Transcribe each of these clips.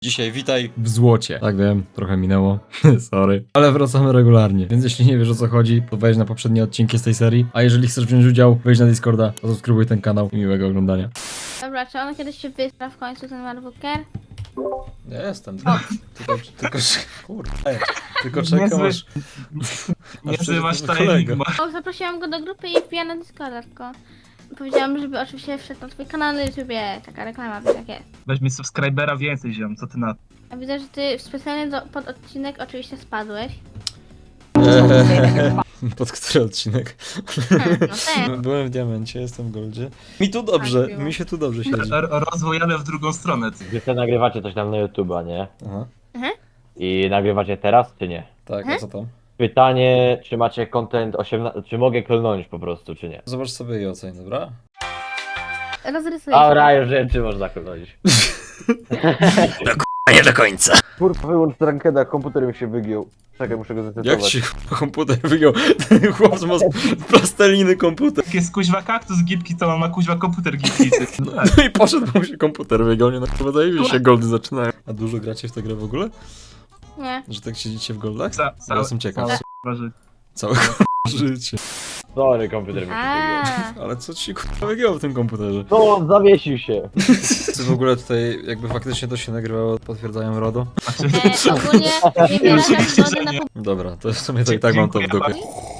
Dzisiaj witaj w złocie. Tak wiem, trochę minęło, sorry. Ale wracamy regularnie, więc jeśli nie wiesz o co chodzi, to wejdź na poprzednie odcinki z tej serii. A jeżeli chcesz wziąć udział, wejdź na Discorda, zasubskrybuj ten kanał i miłego oglądania. Dobra, czy on kiedyś się wystra w końcu, ten Marbuker? Ja jestem. Tylko czekam aż... Niezły masz kolega. timing. O, zaprosiłam go do grupy i wbija na Discorda, tylko powiedziałam, żeby oczywiście wszedł na twój kanał na YouTubie, taka reklama, wiesz jak jest. Weź mi subskrybera więcej, ziom, co ty na to? A widzę, że ty specjalnie pod odcinek oczywiście spadłeś. Pod który odcinek? No ten. Byłem w diamencie, jestem w goldzie. Mi tu dobrze, Tak, mi się tu dobrze siedzi. Rozwój jadę w drugą stronę. Wy sobie nagrywacie coś tam na YouTube'a, nie? Aha, I nagrywacie teraz, czy nie? tak, a co tam? Pytanie, czy macie content 18, czy mogę klnąć po prostu, czy nie? Zobacz sobie i oceń, dobra? Rozrysuję A się. raju, że czy można klnąć? A nie do końca. Kurwa, wyłącz rankeda, komputer mi się wygiął. Czekaj, muszę go Jak zresetować. ci komputer wyjął? Ten chłop ma plasteliny komputer. Jak jest kuźwa kaktus gipki, to on ma kuźwa komputer gipki. No tak. No i poszedł, bo mu się komputer wyjął, nie no chyba zajebiście się goldy zaczynają. A dużo gracie w tę grę w ogóle? Nie. Że tak siedzicie w goldach? Ca- Ja jestem ciekaw. całe- Całe życie. Sorry, komputer mi się wygiął. A, Ale co ci kurwa wygięło w tym komputerze? No, on zawiesił się. Czy w ogóle tutaj jakby faktycznie to się nagrywało, potwierdzają RODO? ogólnie nie wyrażam zgody na Dobra, to w sumie to i tak mam to w dupie.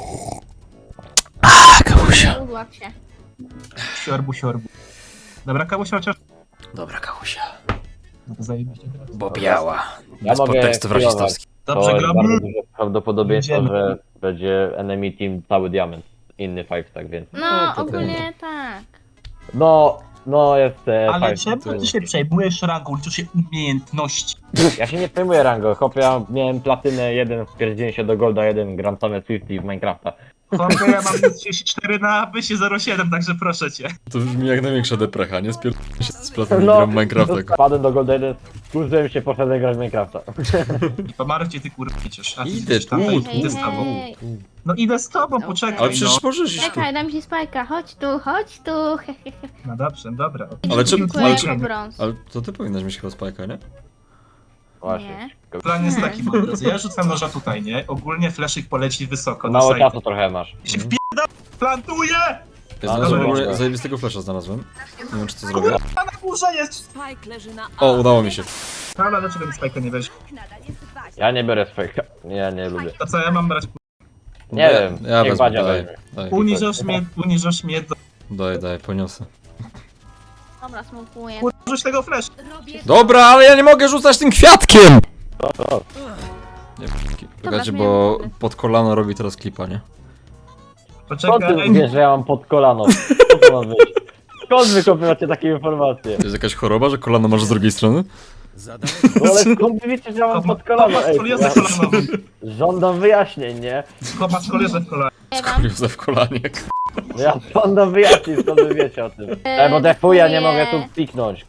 publiczne. Udław się. Siorbu. Dobra, kabusia chociaż... Dobra, Kałusia. No to zajebiście. Bo biała. Ja Bez mogę podtekstów chwilować. rasistowskich. Dobrze, To jest gramy. bardzo duże prawdopodobieństwo, Idziemy. że będzie enemy team cały diament. Inny five, tak więc. No, to ogólnie tak. No jest Ale five. czemu ty się przejmujesz rangą, liczysz się umiejętności? Ja się nie przejmuję rangą, chłopie, ja miałem platynę 1, wpierdziłem się do golda 1, gram same Swifty w Minecrafta. Chłopie, ja mam 34 na pysie 07, także proszę cię. To brzmi jak największa deprecha, nie? Spierdolę się z platą gram Minecrafta. Wpadłem do golda 1, skurzyłem się, poszedłem grać w Minecrafta. I pomarcie ty kurwa przecież. A ty Idę jesteś tam, tu, idę z tobą. Hej. No idę z tobą, Okej. poczekaj Ale przecież no. możesz iść tu. Czekaj, dam ci spajka, chodź tu, No dobrze, dobra. Ale czemu- Dziękuję ale za czemu- brąz. Ale to ty powinnaś mieć chyba spajka, nie? Właśnie. Plan jest taki, moi drodzy. Ja rzucam noża tutaj, nie? Ogólnie fleszyk poleci wysoko do Mało sajtu. czasu trochę masz. Się wpierdam, plantuję! Ja Ale znalazłem w dobra. ogóle zajebistego flasha znalazłem. Nie wiem czy to zrobię. A na górze jest! Spike leży na O, udało mi się. Ale dlaczego mi spajka nie weź? Ja nie biorę swojego. Ja nie lubię. To co ja mam brać? Nie wiem, Ja niech wezmę, Badzia daj. weźmie. Daj, Uniżasz mnie do... daj, poniosę. Dobra, smokuję. Rzuć tego flash! Dobra, ale ja nie mogę rzucać tym kwiatkiem! Nie, czekajcie, zmieniam bo wody. pod kolano robi teraz klipa, nie? Skąd ty Poczekaj, wiesz, że ja mam pod kolano? Co to ma być? Skąd wy kopiowacie takie informacje? To jest jakaś choroba, że kolano masz z drugiej strony? No ale skąd wy wiecie, że ja mam pod kolano? Kopa Ej, skoliozę ja kolanową. żądam wyjaśnień, nie? Kopa skoliozę w kolanie. Wam. Józef Kolaniek. Ja żądam wyjaśnień, skąd wy wiecie o tym. Bo defuj, ja nie mogę tu piknąć.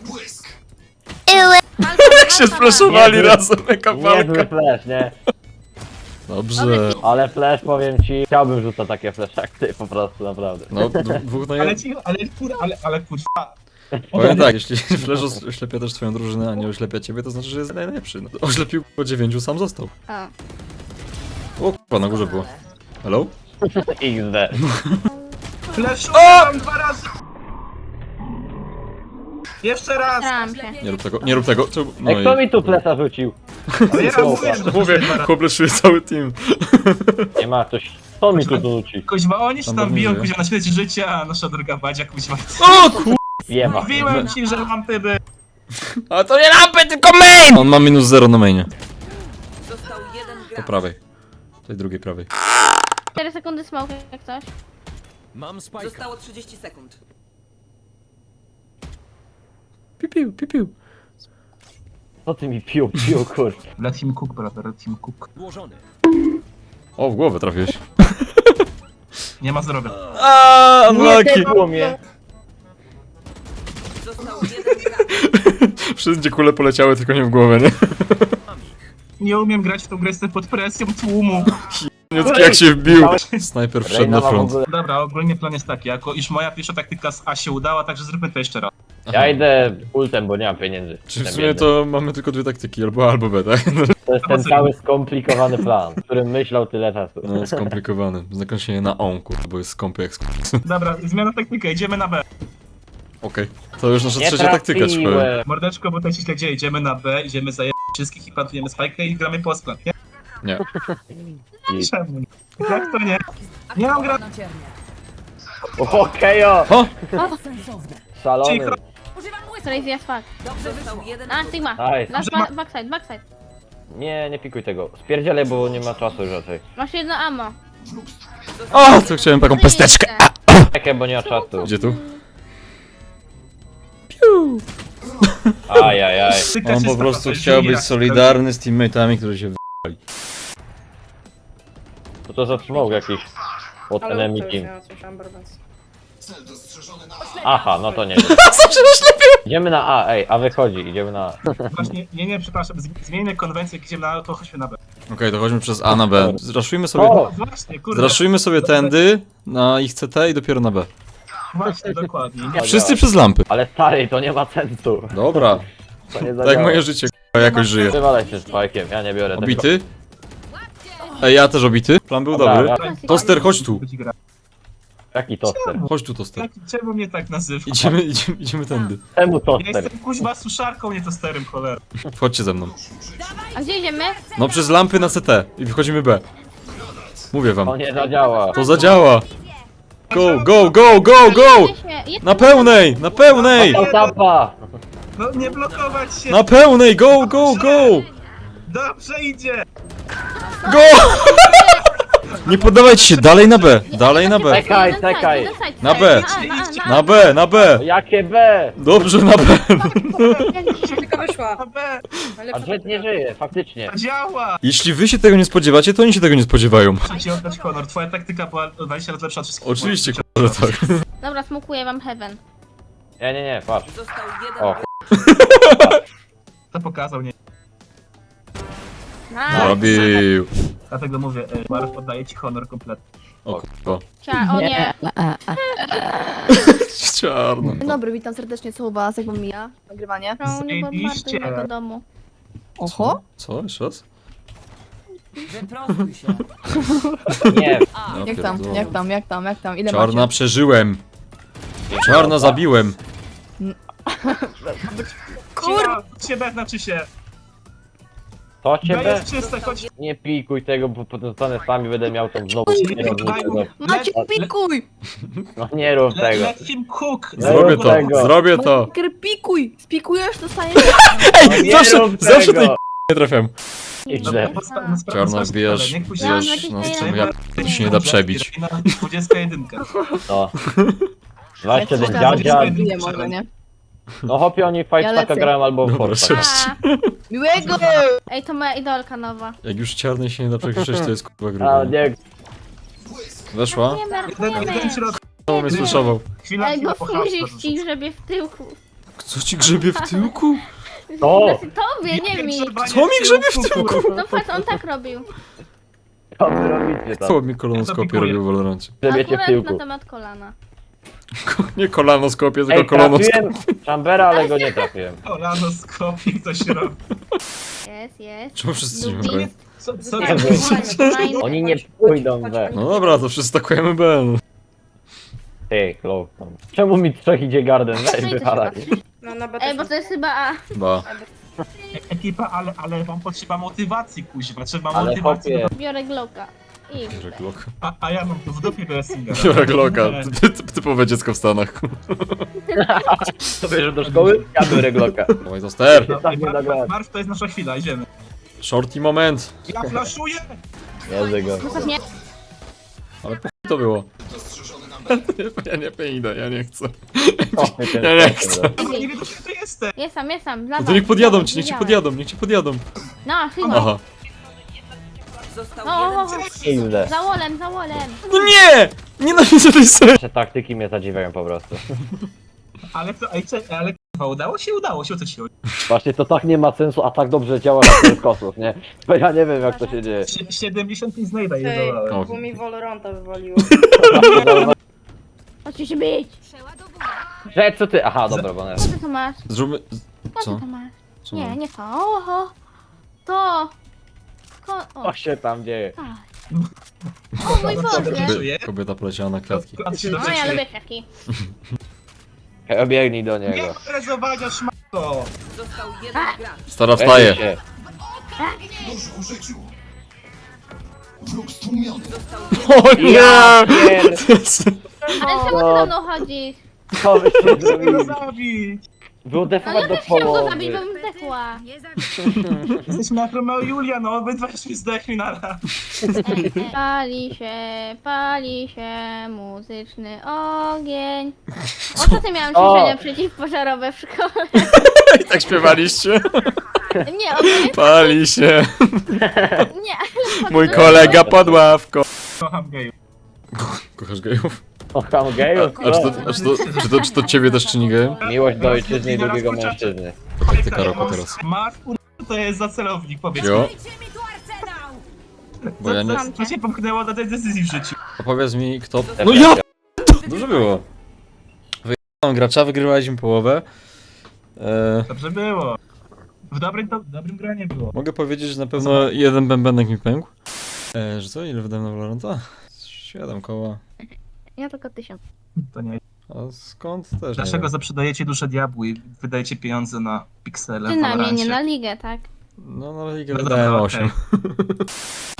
Jak się splashowali Nie, razem, jaka Niezły walka. flash, nie? Dobrze. Ale flash, powiem ci, chciałbym rzucać takie flash jak ty, po prostu, naprawdę. No, dwóch na Ale jeden. ci, ale kurwa. Powiem tak, jeśli Flash oślepia też twoją drużynę, a nie oślepia ciebie, to znaczy, że jest najlepszy. No, oślepił po 9, sam został. O. O kurwa, na górze było. Hello? XD. Flashu mam 2 razy! Jeszcze raz! Staram się. Nie rób tego, nie rób tego. No Ej, kto mi tu flasha rzucił? Ale ja mówię, że to Mówię, jest 2 razy. chłopleszuje cały team. Nie ma ktoś. Kto mi tu rzuci? Kuźwa, oni się Tam tam biją, żyje. kuźwa, na śmierć życia, a nasza droga Badzia, kuźwa. O kur... Wiema. Mówiłem ci, że lampy by... Ale to nie lampy, tylko main! On ma minus 0 na mainie. Został jeden Po gracz. prawej. Tej drugiej prawej. 4 sekundy smoke jak coś. Zostało 30 sekund. Pipiu, pipiu. Co ty mi pił, kur? Let him cook, brother, let him cook. O, w głowę trafiłeś. Nie ma zdrowia. Aaaa, Nie unlucky. tepło mnie. Został jeden gracz. Wszędzie kule poleciały, tylko nie w głowę, nie? Nie umiem grać w tą grę, jestem pod presją tłumu. Niecki jak się wbił. Snajper wszedł Reina na ma w front. ogóle... Dobra, ogólnie plan jest taki, jako iż moja pierwsza taktyka z A się udała, także zróbmy to jeszcze raz. Ja idę ultem, bo nie mam pieniędzy. Czy w Jestem sumie biedny. to mamy tylko dwie taktyki, albo B, tak? To jest ten cały skomplikowany plan, o którym myślał tyle czasu. No, skomplikowany. Zakończenie na on, kurwa, bo jest skąpy jak Dobra, zmiana taktyka, idziemy na B. Okej. To już nasza Nie trzecia taktyka, czy powiem. trafiłem. Mordeczko, bo to się źle dzieje, idziemy na B, idziemy za wszystkich i plantujemy spajkę i gramy post-plant, nie? Nie. Czemu nie? Jak to nie? Nie mam gra... Okejo! O! Szalony. Cicho. Crazy as fuck. Został jeden A, Sigma. Nice. Last backside, backside. Nie, nie pikuj tego. Spierdzielaj, bo nie ma czasu już raczej. Masz jedno ammo. O, to chciałem taką pesteczkę. Czekaj, bo nie ma czasu. Gdzie tu? Ajajaj. Tyka On się po z prostu tobą, chciał Junior. być solidarny z teammate'ami, którzy się Co to za smog jakiś? Od Ale enemy to już team. nie słyszałam Barbans. Aha, no to nie. Idziemy na A, ej, A wychodzi, idziemy na A. Właśnie, nie, przepraszam, zmienimy konwencję, jak idziemy na A, to chodźmy na B. Okej, to chodźmy przez A na B. Zraszujmy sobie... O! Właśnie, kurde. Zraszujmy sobie tędy na ich CT i dopiero na B. Właśnie, dokładnie. Nie. Wszyscy przez lampy. Ale stary, to nie ma sensu. Dobra. To nie Tak zadziała. jak moje życie, k***a, jakoś żyje. Wywalaj się z fajkiem, ja nie biorę tego. Obity? Ej, ja też obity. Plan był Dobra, dobry. ja- Toster, chodź tu. Jaki toster? Chodź tu, Toster. Czemu mnie tak nazywa? Idziemy tędy. Czemu Ja toster? jestem kuźba suszarką, nie tosterem, cholera. Chodźcie ze mną. A gdzie idziemy? No przez lampy na CT i wychodzimy B. Mówię wam. To nie zadziała. To zadziała. Go, go, go, go, go! Na pełnej, na pełnej! Tapa! No nie blokować się! Na pełnej, go, go, go! Dobrze idzie! Go! Nie poddawajcie się, dalej na B, dalej na B. Czekaj, czekaj. Na B. Na Na B, na B! Jakie B? Dobrze, na B. Tylko wyszła. Na B! Ale A Jet nie żyje, faktycznie. Działa! Jeśli wy się tego nie spodziewacie, to oni się tego nie spodziewają. Muszę ci oddać honor, twoja taktyka była 20 razy lepsza od wszystkich. Oczywiście, k***a, że tak. Dobra, smokuję wam heaven. Nie, patrz. Został O, jeden. To pokazał, nie. Nice. Zabił. Dlatego mówię, Marw oddaje ci honor kompletny. O kurwa. O nie. Czarno. Dzień dobry, witam serdecznie, co u was, jak wam mija nagrywanie? No, nie bombarduj Zajebiście. mojego domu. Oho, Co? Jeszcze raz? Wyprostuj się. nie. A. Ja jak tam, pierdolę. jak tam, ile Czarna macie? przeżyłem. Czarna zabiłem. Kurwa! Ciebie znaczy się! To B ciebie? jest czyste, chodź! Nie pikuj tego, bo potem zostanę sami, będę miał tą znowu. Macie, pikuj! No nie rób tego. Let him cook! Zrobię to, tego. zrobię to. Maker, pikuj! Spikujesz, dostaniesz... Ej, Nie zawsze, rób zawsze tego. tej nie trafiam. Źle. Czarna wbijasz, wbijasz na stronę, ja to się nie da przebić. 21. No. 21 Ja dziadzia. Dziękuję może, nie? No hopie oni fight Ja taka lecę. grają albo w Dobra, Forza. cześć. Miłego! Ej, to moja idolka nowa. Jak już czarnej się nie da przekrzyczeć, to jest kurwa A grubo. nie, Weszła? Nie Jeden marnujemy. środek. O, mnie słyszował. Chwila, Ej, chwila, bo po musisz hasło. ci grzebie w tyłku. Co ci grzebie w tyłku? To! Tobie, nie mi. Co mi grzebie w tyłku? No patrz, on tak robił. Co wy robicie tam? Co mi kolonoskopię robił w Valorancie? Przebiecie w Akurat na tyłku. temat kolana. Nie kolanoskopię, tylko Ej, kolonoskopię. trafiłem Chambera, ale go nie trafiłem. Kolanoskopii, co się robi. Jest. Czemu wszyscy Lubię. nie Co Nie wiem. Oni nie pójdą we. No dobra, to wszyscy takujemy B. no. Ty, Clow. Czemu mi trzech idzie garden? Weź No i to się wypadaj. patrzy. No na B Ej, też bo to jest chyba A. Ba. Ekipa, ale wam potrzeba motywacji, kuźwa. Trzeba Ale motywacji. chłopie, Biorę Glocka. I... Biorę Glocka. A ja mam tu w dupie wrestlinga. Biorę Glocka. Typowe dziecko w Stanach. to bierzesz do szkoły? Ja biorę Glocka. Dawaj to ster. Tak nie nagrałem. Marw, to jest nasza chwila, idziemy. Shorty moment. Ja flaszuję! Jeżdżę go. Nie. Ale po chuj to było. Ja nie idę, ja nie chcę. Kopmy ten Ja nie stok, chcę. dobra. Ja nie wiem, gdzie ty jesteś. Jestem. No to niech podjadą ci, niech ci podjadą, niech ci podjadą. No, chyba. Aha. Został O, jeden. Kurde. za wolem. No nie! Nienawidzę tej serii. Te taktyki mnie zadziwiają po prostu. Ale to, ale k***a, udało się, o co ci chodzi? Właśnie to tak nie ma sensu, a tak dobrze działa na tych kosmos, nie? Bo ja nie wiem jak to się dzieje. 75 znajda Ej, jedowałem. bo mi Valoranta wywaliło. Chodźcie się bić. Że co ty? Aha, dobra, bo nie. Co ty to masz? Zróbmy... Co Co? ty to masz? Co Nie, mam? nie to. Oho. To. O, Co się tam dzieje? tak. O mój Boże. Kobieta poleciała na kwiatki. On się No dobrze ja czuje. lubię kwiatki. Obiegnij do Nie niego. ma rezowania, szmato! Został jeden gracz. Stara Weź wstaje. się. Został O Ja nie! pier... Ale czemu ty za mną chodzisz? Co wy się Chcę go zrobili? zabić! No Wyodefować ja do też chciałam go połowy. zabić, bo bym zdechła. Jesteśmy jak Romeo i Julia, no obydwa już mi zdechli na raz. Pali się muzyczny ogień. Ostatnio miałam ćwiczenia przeciwpożarowe w szkole. I tak śpiewaliście? Nie, ogólnie Pali się. nie. Mój kolega pod ławką. Kocham gejów. Kochasz gejów? Kocham gejów. Czy to ciebie też czyni gejem? Miłość do ojczyzny i drugiego mężczyzny. To taktyka roku teraz. Mark, to jest za celownik, powiedz Jo? mi. Dajcie mi tu arsenał! Bo ja nie... Co cię popchnęło do tej decyzji w życiu? Opowiedz mi kto... No ja! Dobrze było. Wyjechałem gracza, wygrywaliśmy połowę. Dobrze było. W dobrym gronie było. Mogę powiedzieć, że na pewno jeden bębenek mi pękł. Że co? Ile wydałem na Valoranta? 7 koła. Ja tylko 1000. To nie. A skąd też nie Dlaczego wiem. zaprzedajecie duszę diabłu i wydajecie pieniądze na piksele w Ty na mnie, nie Valorancie? na ligę, tak? No na ligę No wydałem dobra, 8.